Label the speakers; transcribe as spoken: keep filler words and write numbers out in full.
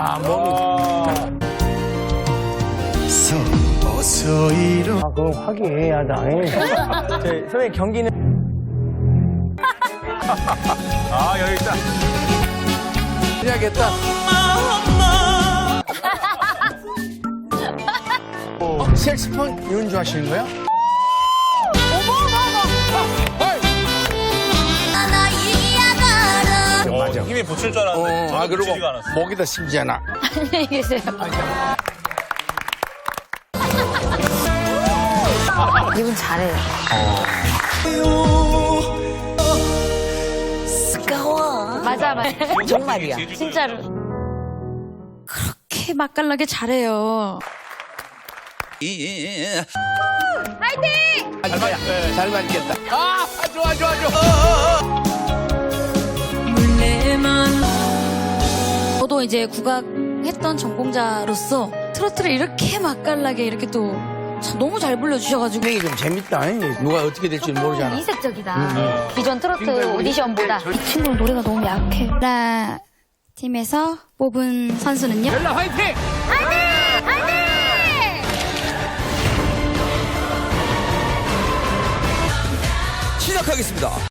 Speaker 1: 야, 몸이.
Speaker 2: 어서 이러.
Speaker 1: 아, 그건 화기애애하다. 저, 선생님, 경기는.
Speaker 3: 아, 여기 있다.
Speaker 2: 해야겠다. 어, 색스폰 연주하시는 거야?
Speaker 3: 어,
Speaker 2: 맞아.
Speaker 3: 힘이 붙을 줄 알았는데.
Speaker 2: 어,
Speaker 3: 저는
Speaker 2: 아, 그리고
Speaker 3: 붙이지가 않았어.
Speaker 2: 목에다 심지 않아.
Speaker 4: 안녕히 계세요. 이분 잘해요. 맞아, 맞아.
Speaker 5: 정말이야.
Speaker 4: 진짜로. 그렇게 맛깔나게 잘해요.
Speaker 2: 잘 맞, 잘 맞겠다. 아, 좋아, 좋아, 좋아.
Speaker 4: 저도 이제 국악 했던 전공자로서 트로트를 이렇게 맛깔나게 이렇게 또 너무 잘 불러주셔가지고
Speaker 2: 이게 좀 재밌다. 누가 어떻게 될지 모르잖아.
Speaker 4: 이색적이다. 기존 트로트 오디션보다 이 친구는 노래가 너무 약해. 라 팀에서 뽑은 선수는요?
Speaker 2: 벨라 화이팅!
Speaker 6: 시작하겠습니다.